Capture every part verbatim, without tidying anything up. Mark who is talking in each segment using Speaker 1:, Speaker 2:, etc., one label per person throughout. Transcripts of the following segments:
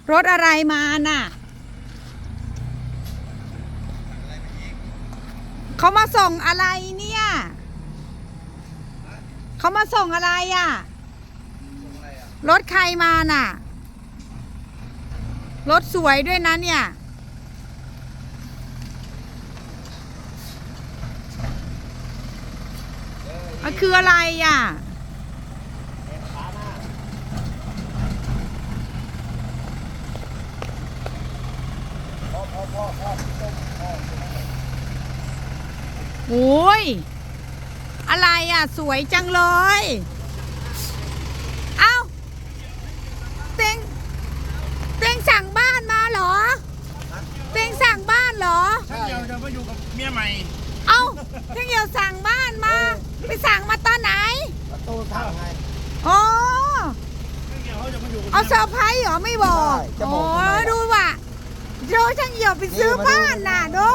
Speaker 1: รถอะไรมาน่ะเขามาส่งอะไรเนี่ยเขามาส่งอะไรอ่ะรถใครมาน่ะรถสวยด้วยนะเนี่ยมันคืออะไรอ่ะโอ้ยอะไรอ่ะสวยจังเลยเอ้าเต็งเต็งสั่งบ้านมาเหรอเต็งสั่งบ้านเหรอ
Speaker 2: ช่างเดียวจะมาอยู่กับเมียใหม่
Speaker 1: เอ้าเต็งเดียวสั่งบ้านมาไปสั่งมาตอนไหน
Speaker 3: ประตูทางไง
Speaker 1: โอ้
Speaker 2: ช่างเดียวเขาจะมาอยู่กับ
Speaker 1: เอาเซอร์ไพรส์เหรอไม่บอกโอ้ดูว่ะโจช่างเหี่ยวไปซื้อบ้านน่ะดู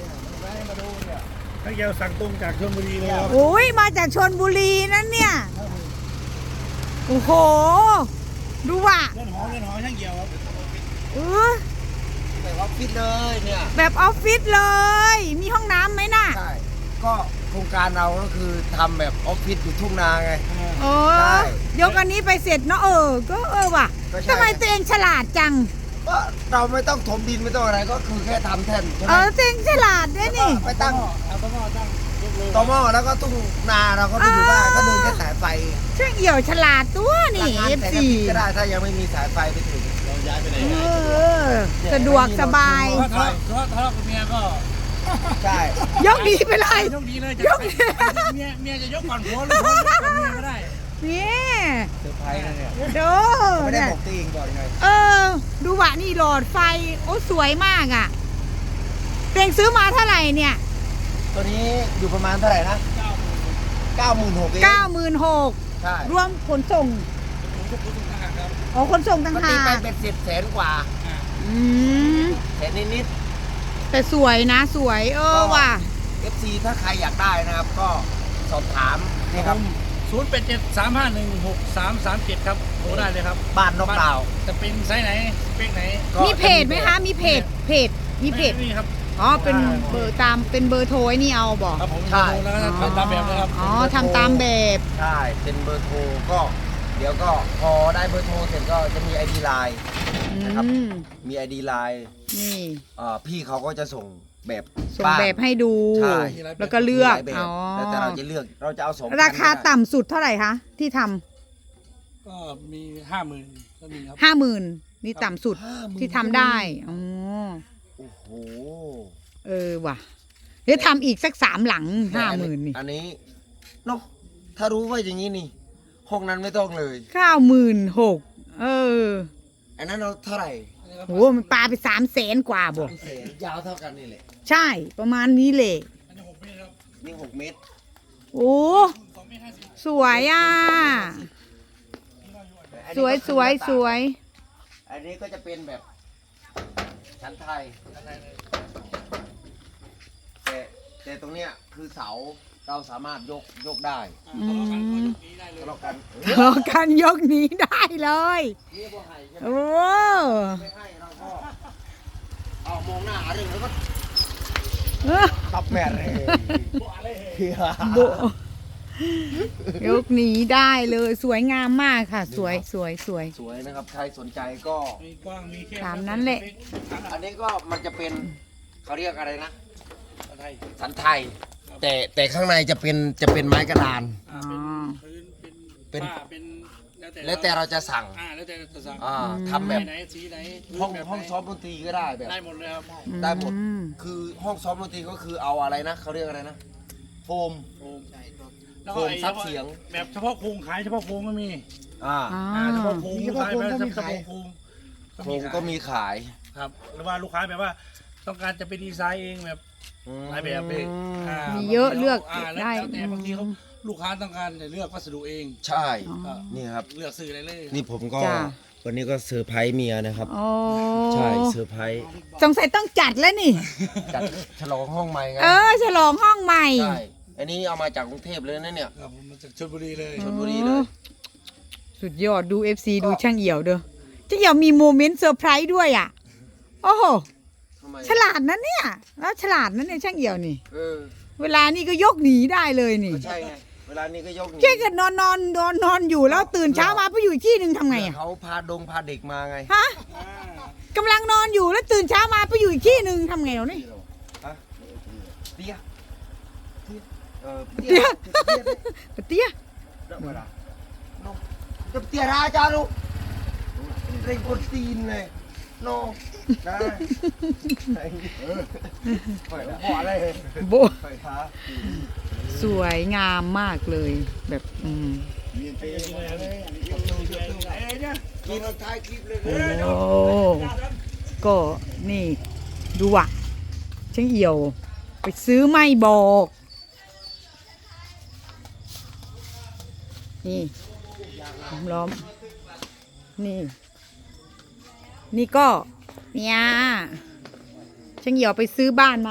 Speaker 2: ช่างเดียวสั่งตรงจากชลบุรีเลยครับ
Speaker 1: โอ้ยมาจากชลบุรีนั่นเนี่ยโอ้โหดูว่ะ
Speaker 2: เล่นหอเล่นหอช่างเดียวครับ
Speaker 1: เออ
Speaker 3: แบบออฟฟิศเลยเนี่ย
Speaker 1: แบบออฟฟิศเลยมีห้องน้ำไหมน่ะ
Speaker 3: ใช่ก็โครงการเราก็คือทำแบบออฟฟิศอยู่ทุ่งนาไง
Speaker 1: โอ้ยกอันนี้ไปเสร็จเนาะเออก็เออว่ะทำไมตัวเองฉลาดจัง
Speaker 3: ก็เราไม่ต้องถมดินไม่ต้องอะไรก็คือแค่ทำแท่น
Speaker 1: เออตัวเองฉลาดด้วยนี่
Speaker 3: ไปตั้ง
Speaker 2: เอาต้อหม้อตั้ง
Speaker 3: ต่อหม้อแล้วก็ทุ่งนาเราก็ไปอยู่บ้านก็เดินแค่สายไฟ
Speaker 1: ช่างเหี่ยวฉลาดตัวนี่เอฟซี
Speaker 3: ก็ได้ถ้ายังไม่มีสายไฟไปถึง
Speaker 2: เราย้ายไปไหน
Speaker 1: สะดวกสบาย
Speaker 2: ทะเลาะทะเลาะทะเลาะกับเมียก็
Speaker 3: ใช่
Speaker 1: ยกดีไปเลย
Speaker 2: ยกดีเลยยกเมียเมียจะยกก่อนผัวหรือผัวก่อนเมียก็ได้
Speaker 1: นี่
Speaker 3: เซอร์ไพรส์นะเนี่ย
Speaker 1: ดู
Speaker 3: ไม่ได้บอกตัวเองก่อนไง
Speaker 1: เออดูว่ะนี่หลอดไฟโอ้สวยมากอ่ะเต็งซื้อมาเท่าไหร่เนี่ย
Speaker 3: ตัวนี้อยู่ประมาณเท่าไหร่นะเก้าหมื่นหก
Speaker 1: เก้าหมื่นหก
Speaker 3: ใช่
Speaker 1: รวมขนส่งอ๋อขนส่งต่างหาก
Speaker 3: ไปเป็นสิบแสนกว่า
Speaker 1: อืม
Speaker 3: แสนนิด
Speaker 1: ๆแต่สวยนะสวยเออว่ะ
Speaker 3: เอฟ ซี ถ้าใครอยากได้นะครับก็สอบถามนี่ครับ
Speaker 2: ศูนย์แปดเจ็ดสามห้าหนึ่งหกสามสามเจ็ดครับโทรได้เลยครับ
Speaker 3: บ้านนกดาว
Speaker 2: จะเป็นไซส์ไหนเป็นไหน
Speaker 1: มีเพจไหมคะมีเพจเพจมีเพจ
Speaker 2: นี่ครับ
Speaker 1: อ๋อเป็นเบอร์ตามเป็นเบอร์โทรนี่เอาบอก
Speaker 2: ครับผมใช่แล้วก็ทำตามแบบนะครับ
Speaker 1: อ๋อทำตามแบบ
Speaker 3: ใช่เป็นเบอร์โทรก็เดี๋ยวก็พอได้เบอร์โทรเสร็จก็จะมี ไอ ดี ไลน์นะครับมี ไอ ดี ไลน์นี่พี่เขาก็จะส่งแบบ
Speaker 1: ส่งแบบให้ดูแล้วก็เลือก
Speaker 3: อ๋อแล้วแต่เราจะเลือกเราจะเอาสอง
Speaker 1: ราคาต่ำสุดเท่าไหร่คะที่ท
Speaker 2: ำก็มีห้าหมื่นก็มีครับ
Speaker 1: ห้าหมื่นนี่ต่ำสุดที่ทำได้อ๋อ
Speaker 3: โอ้โห
Speaker 1: เออว่ะเดี๋ยวทำอีกสักสามหลังห้าหมื่นนี่
Speaker 3: อันนี้เนาะถ้ารู้ว่าอย่างนี้นี่ห้องนั้นไม่ต้องเลย
Speaker 1: เก้าหมื่นหกเออ
Speaker 3: อันนั้นเราเท่าไหร่
Speaker 1: โอ้มันปลาไปสามแสนกว่าบ่
Speaker 3: ยาวเท่ากันนี่แหละ
Speaker 1: ใช่ประมาณนี้เลย
Speaker 3: นี่หกเมตร
Speaker 1: โอ้สวยอ่ะสวยสวยสวย
Speaker 3: อันนี้ก็จะเป็นแบบชั้นไทยแต่แต่ตรงเนี้ยคือเสาเราสามารถยกยกได้
Speaker 1: ทะ
Speaker 3: เลาะกัน
Speaker 1: ทะเลาะกันยกนี้ได้เลยโอ้
Speaker 3: ไม่ให้เราก็เอามองหน้าเรื่องแล้วก็ตับแม่เลย
Speaker 1: โบยกนี้ได้เลยสวยงามมากค่ะสวยสวยสวย
Speaker 3: สวยนะครับใครสนใจก็
Speaker 1: ตามนั้นแหละ
Speaker 3: อันนี้ก็มันจะเป็นเขาเรียกอะไรนะสันไทยแต่แต่ข้างในจะเป็นจะเป็นไม้กระดานเป็นแล้วแต่เราจะสั่ง
Speaker 2: แล้วแต่จะสั่ง
Speaker 3: ทำแบบห้องห้องซ้อมดนตรีก็ได้แบบ
Speaker 2: ได้หมดเลยครับ
Speaker 3: ได้หมดคือห้องซ้อมดนตรีก็คือเอาอะไรนะเขาเรียกอะไรนะโฟมโฟมซับเสียง
Speaker 2: แบบเฉพาะโครงขายเฉพาะโครงก็มี
Speaker 3: อ่า
Speaker 2: เฉพาะโครงเฉพาะโครงก็มีขายโครง
Speaker 3: โครงก็มีขาย
Speaker 2: ครับหรือว่าลูกค้าแบบว่าต้องการจะไปดีไซน์เองแบบหลายแบบเอง
Speaker 1: มีเยอะเลือกได้
Speaker 2: แต่บางทีเขาลูกค้าต้องการจะเลือกวัสดุเอง
Speaker 3: ใช่นี่ครับ
Speaker 2: เลือกซื้ออะไรเลย
Speaker 3: นี่ผมก็วันนี้ก็เซอร์ไพรส์เมียนะครับใช่เซอร์ไพรส์
Speaker 1: สงสัยต้องจัดแล้วนี่
Speaker 3: จัดฉลองห้องใหม่ไง
Speaker 1: เออฉลองห้องใหม่
Speaker 3: ใช่อันนี้เอามาจากกรุงเทพเลยนะเนี่ย
Speaker 2: มาจากชลบุรีเลย
Speaker 3: ชลบุรีเลย
Speaker 1: สุดยอดดู เอฟ ซี ดูช่างเหี่ยวเด้อช่างเหี่ยวมีโมเมนต์เซอร์ไพรส์ด้วยอ่ะโอ้โห
Speaker 3: ทำไม
Speaker 1: ฉลาดนะเนี่ยแล้วฉลาดนะเนี่ยช่างเหี่ยวนี่
Speaker 3: เออ
Speaker 1: เวลานี่ก็ยกหนีได้เลยนี่
Speaker 3: ก็ใช่ไงเวลานี้ก็ยกหนี
Speaker 1: แค่เกิดนอนนอนนอนนอนอยู่แล้วตื่นเช้ามาไปอยู่อีกที่หนึ่งทำไงอ่ะ
Speaker 3: เขาพาดงพาเด็กมาไง
Speaker 1: ฮะกำลังนอนอยู่แล้วตื่นเช้ามาไปอยู่อีกที่หนึ่งทำไงเรานี่
Speaker 3: ฮะเตี้ยเออ
Speaker 1: เตี้ย เตี้ย
Speaker 3: เดี๋ยวมาละน้องจะเตี้ยราจารุเร่งกดตีนเลยโนได้เออปล่อยละพออะไร
Speaker 1: โบ
Speaker 3: ปล่อยท้า
Speaker 1: สวยงามมากเลย แบบอืม
Speaker 3: กินท้ายคลิปเลย
Speaker 1: โอ้ก็นี่ดูอ่ะช่างเหี่ยว ไปซื้อไม่บอก นี่ล้อม นี่ นี่ก็ เนี่ยช่างเหี่ยวไปซื้อบ้านมา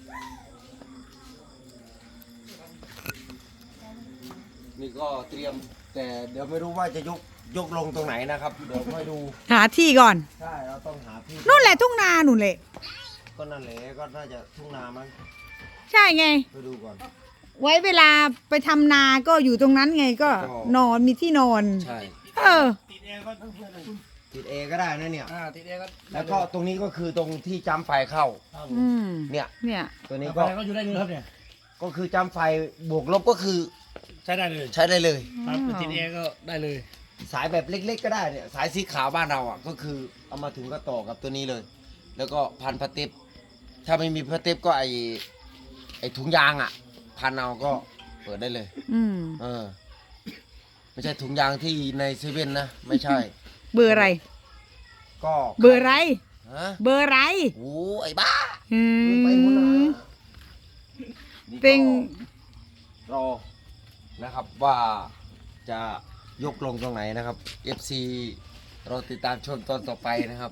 Speaker 3: นี่ก็เตรียมแต่เดี๋ยวไม่รู้ว่าจะยกยกลงตรงไหนนะครับ เดี๋ยวค่อยดู
Speaker 1: หาที่ก่อน
Speaker 3: ใช่เราต้องหาที่
Speaker 1: นู่นแหละทุ่งนาหนุนเลย
Speaker 3: ก็นั่นแหละก็น่าจะทุ่งนามั้ง
Speaker 1: ใช่ไง
Speaker 3: ไปดูก่อน
Speaker 1: ไว้เวลาไปทำนาก็อยู่ตรงนั้นไงก็
Speaker 3: ก็
Speaker 1: นอนมีที่นอน
Speaker 3: ใช่
Speaker 1: เออ
Speaker 2: ติดแอร์ก็ทั้งเพื่อนเลย
Speaker 3: ติดเอก็ได้นะเนี่ย
Speaker 2: อ่าติดแอร์ก็
Speaker 3: แล้วก็ตรงนี้ก็คือตรงที่จำไฟเข้า
Speaker 2: ครับผม
Speaker 1: อืม
Speaker 3: เนี่ย
Speaker 1: เนี่ย
Speaker 3: ตัวนี้
Speaker 2: นี่
Speaker 3: ก็
Speaker 2: ก็อยู่ได้เลยครับเนี่ย
Speaker 3: ก็คือจำไฟบวกลบก็คือ
Speaker 2: ใช้ได้เลย
Speaker 3: ใช้ได้เลย
Speaker 2: ครับติดแอร์ก็ได้เลย
Speaker 3: สายแบบเล็ก ๆ ก็ได้เนี่ยสายสีขาวบ้านเราอ่ะก็คือเอามาถึงก็ต่อกับตัวนี้เลย แล้วก็พันพลาสติกถ้าไม่มีพลาสติกก็ไอไอถุงยางอ่ะ พันเอาก็เปิดได้เลย
Speaker 1: อืม
Speaker 3: เออ ไม่ใช่ถุงยางที่ในเซเว่นนะไม่ใช่
Speaker 1: เบอร์อะไร
Speaker 3: ก็
Speaker 1: เบอร์อะไร
Speaker 3: ฮะ
Speaker 1: เบอร์อะไร
Speaker 3: โอ้ไอ้บ้า
Speaker 1: อื
Speaker 3: ไปหมดนะ
Speaker 1: ม
Speaker 3: นี่ก็
Speaker 1: เป็น
Speaker 3: รอนะครับว่าจะยกลงตรงไหนนะครับ เอฟ ซี เราติดตามชมตอนต่อไปนะครับ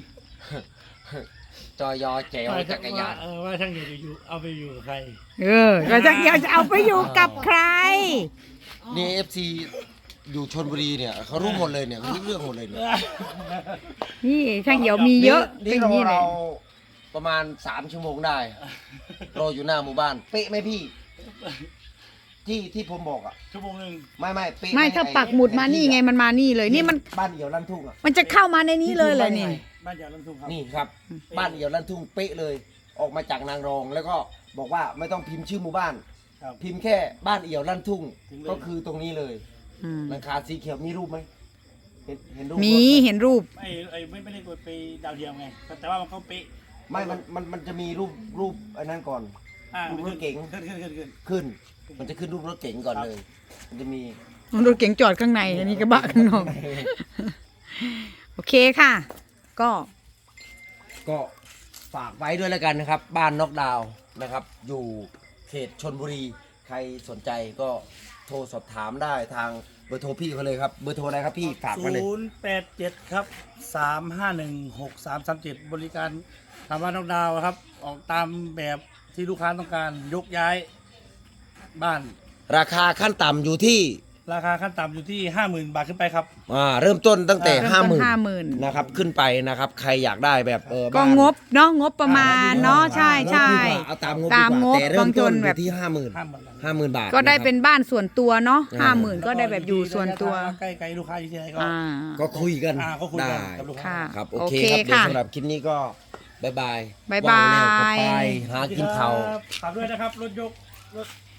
Speaker 3: จอยอแจวจักรยาน
Speaker 2: เออว่าช่างเหี่ยวจะอยู่เอาไปอยู่กับใคร
Speaker 1: เออก็จะอยากจะเอาไปอยู่กับใคร
Speaker 3: นี่ เอฟ ซี อยู่ชนบุรีเนี่ยเขารู้หมดเลยเนี่ยเขารู้เรื่องหมดเลยเนี่ย
Speaker 1: นี่ช่างเหี่ยวมีเยอะ
Speaker 3: นี่
Speaker 1: เป็นอ
Speaker 3: เรา
Speaker 1: ย่างนี้เล
Speaker 3: เรา
Speaker 1: ย
Speaker 3: ประมาณสามชั่วโมงได้รออยู่หน้าหมู่บ้าน เป๊ะไหมพี่ ที่ที่ผมบอกอ่ะ
Speaker 2: ชั่วโมงหนึ่ง
Speaker 3: ไม่ไม่เป๊ะ
Speaker 1: ไม่
Speaker 3: ห
Speaker 1: ถ้า
Speaker 3: อ้
Speaker 1: ปักหมุดมานี่ไงมันมานี่เลย นี่มัน
Speaker 3: บ้านเอี่ยวลั่นทุ่งอ่ะ
Speaker 1: มันจะเข้ามาในนี้เลยเลยนี่
Speaker 2: บ้านยาวลำทุ่งครับ
Speaker 3: นี่ครับ บ้านเอี่ยวลั่นทุ่งเป๊ะเลย ออกมาจากนางรอง แล้วก็บอกว่าไม่ต้องพิมพ์ชื่อหมู่บ้าน
Speaker 2: ครับ
Speaker 3: พิมพ์แค่บ้านเอี่ยวลั่นทุ่ง
Speaker 2: ถึงเลย
Speaker 3: ก็คือตรงนี้เลย
Speaker 1: อืม
Speaker 3: หลังคาสีเขียวมีรูปไหมเห็นเห็นรูป
Speaker 1: มี
Speaker 3: รถไห
Speaker 1: เห็นรูป
Speaker 2: ไม่ไอ้ไม่ไม่ได้กดไปดาวเทียมไงแต่ว่ามันก็เป๊ะ
Speaker 3: ไม่มันมันมันจะมีรูปรูปอันนั้นก่อน
Speaker 2: อ่า
Speaker 3: รูปรถเก๋ง
Speaker 2: ขึ้นขึ้นขึ้นขึ้น
Speaker 3: ขึ้น มันจะขึ้นรูปรถเก๋งก่อน
Speaker 2: ครับ
Speaker 3: เลย มันจะมี
Speaker 1: รถเก๋งจอดข้างใน อันนี้กระบะข้างนอก โอเคค่ะ ก็
Speaker 3: ก็ฝากไว้ด้วยแล้วกันนะครับ บ้านนอกดาวน์นะครับ อยู่เขตชนบุรี ใครสนใจก็โทรสอบถามได้ทางเบอร์โทรพี่เขาเลยครับ เบอร์โทรอะไรครับพี่ฝากมาเลย
Speaker 2: ศูนย์แปดเจ็ดครับสามห้าหนึ่งหกสามสามเจ็ดบริการทำบ้านนอกดาวน์ครับ ออกตามแบบที่ลูกค้าต้องการยกย้ายบ้าน
Speaker 3: ราคาขั้นต่ำอยู่ที่
Speaker 2: ราคาขั้นต่ำอยู่ที่ห้าหมื่นบาทขึ้นไปครับ
Speaker 3: อ่าเริ่มต้นตั้งแต่
Speaker 1: เริ่มต้น
Speaker 3: ห้าหมื่น
Speaker 1: ห้าหมื่น
Speaker 3: นะครับขึ้นไปนะครับ ใครอยากได้แบบเออ
Speaker 1: ก็
Speaker 3: บ้าน
Speaker 1: งบเนาะงบประมาณเนาะใช่ใช่
Speaker 3: เอาตามงบ
Speaker 1: ตาม
Speaker 3: ดีก
Speaker 1: ง
Speaker 3: ว่า
Speaker 1: บ
Speaker 3: แต่เริ่มต้น
Speaker 1: บางคน
Speaker 3: อ
Speaker 1: แบบ
Speaker 3: ยู่ที่ห้าหมื่น
Speaker 2: ห้าหมื่น
Speaker 3: ห้าหมื่นบาท
Speaker 1: ก็ได้
Speaker 3: ะครับ
Speaker 1: เป็นบ้านส่วนตัวเนาะ
Speaker 3: อ่า
Speaker 1: ห้าหมื่นก็ได้แบบอยู่ส่วนตัว
Speaker 2: ใกล้ไกลลูกค้าอยู่ที่ไหนก็
Speaker 1: อ่า
Speaker 3: ก็คุยกัน
Speaker 2: อ่าก็คุยกัน
Speaker 3: ได้
Speaker 2: กับลูก
Speaker 1: ค่ะ
Speaker 2: ค้า
Speaker 3: ครับ โอ
Speaker 1: โอ
Speaker 3: เค
Speaker 1: เค
Speaker 3: ครับเดี๋ยว
Speaker 1: ค่ะ
Speaker 3: สำหรับคลิปนี้ก็บายบาย
Speaker 1: บ๊ายบาย
Speaker 3: ว่งแล้วก็ไปหากินข้าว
Speaker 2: ฝากด้วยนะครับ รถยก รถ